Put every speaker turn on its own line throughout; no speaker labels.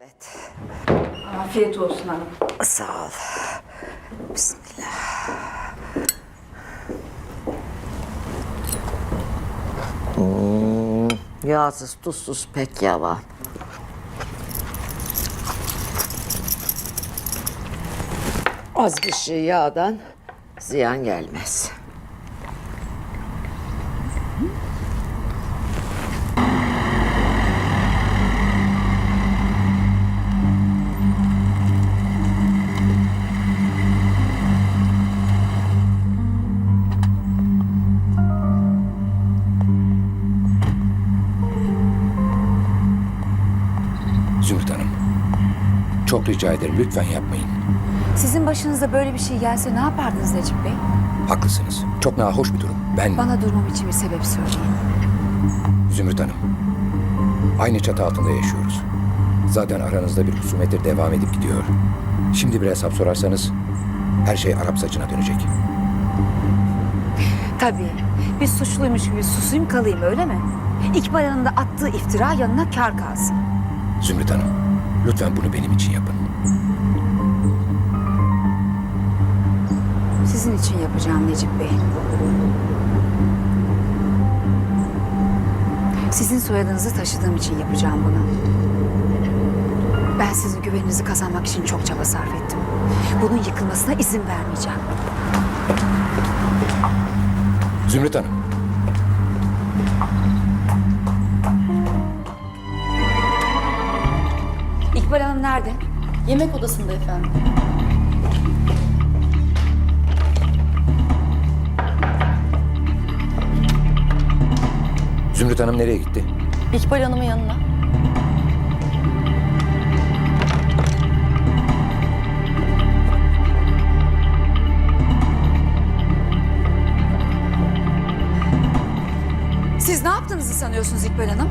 Evet.
Afiyet olsun hanım.
Sağ ol. Bismillah. Yağsız, tuzsuz pek yavan. Az bir şey yağdan ziyan gelmez.
Zümrüt Hanım, çok rica ederim lütfen yapmayın.
Sizin başınıza böyle bir şey gelse ne yapardınız Necip Bey?
Haklısınız. Çok nahoş bir durum.
Bana durmam için bir sebep söyleyin.
Zümrüt Hanım, aynı çatı altında yaşıyoruz. Zaten aranızda bir husumettir devam edip gidiyor. Şimdi bir hesap sorarsanız her şey Arap saçına dönecek.
Tabii. Bir suçluymuş gibi susayım kalayım öyle mi? İkbal Hanım'ın da attığı iftira yanına kâr kalsın.
Zümrüt Hanım, lütfen bunu benim için yapın.
Sizin için yapacağım Necip Bey. Sizin soyadınızı taşıdığım için yapacağım bunu. Ben sizin güveninizi kazanmak için çok çaba sarf ettim. Bunun yıkılmasına izin vermeyeceğim.
Zümrüt Hanım,
İkbal Hanım nerede?
Yemek odasında efendim.
Zümrüt Hanım nereye gitti?
İkbal Hanım'ın yanına.
Siz ne yaptığınızı sanıyorsunuz İkbal Hanım?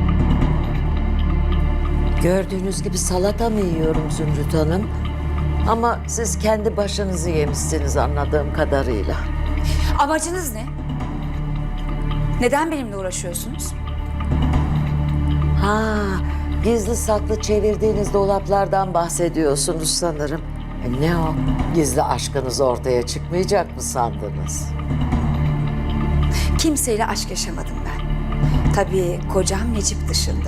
Gördüğünüz gibi salata mı yiyorum Zümrüt Hanım? Ama siz kendi başınızı yemişsiniz anladığım kadarıyla.
Amacınız ne? Neden benimle uğraşıyorsunuz?
Ha, gizli saklı çevirdiğiniz dolaplardan bahsediyorsunuz sanırım. Ne o? Gizli aşkınız ortaya çıkmayacak mı sandınız?
Kimseyle aşk yaşamadım ben. Tabii kocam Necip dışında.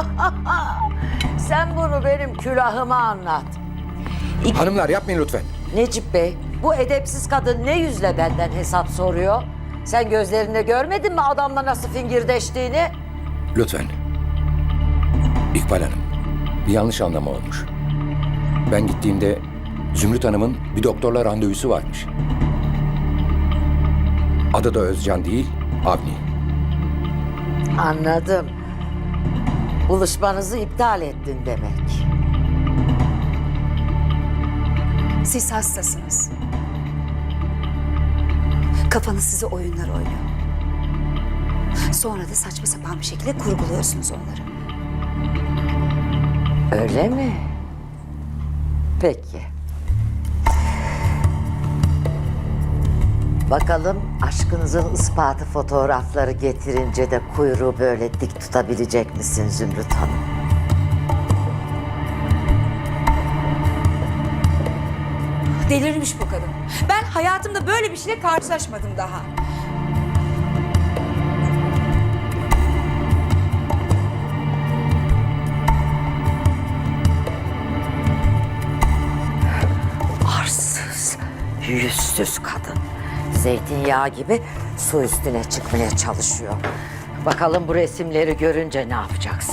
Sen bunu benim külahıma anlat.
Hanımlar yapmayın lütfen.
Necip Bey, bu edepsiz kadın ne yüzle benden hesap soruyor? Sen gözlerinde görmedin mi adamla nasıl fingirdeştiğini?
Lütfen. İkbal Hanım, bir yanlış anlama olmuş. Ben gittiğimde Zümrüt Hanım'ın bir doktorla randevusu varmış. Adı da Özcan değil, Avni.
Anladım. Buluşmanızı iptal ettin demek.
Siz hastasınız. Kafanız size oyunlar oynuyor. Sonra da saçma sapan bir şekilde kurguluyorsunuz onları.
Öyle mi? Peki. Bakalım aşkınızın ispatı fotoğrafları getirince de kuyruğu böyle dik tutabilecek misin Zümrüt Hanım?
Delirmiş bu kadın. Ben hayatımda böyle bir şeyle karşılaşmadım daha.
Arsız, yüzsüz kadın. Zeytinyağı gibi su üstüne çıkmaya çalışıyor. Bakalım bu resimleri görünce ne yapacaksın?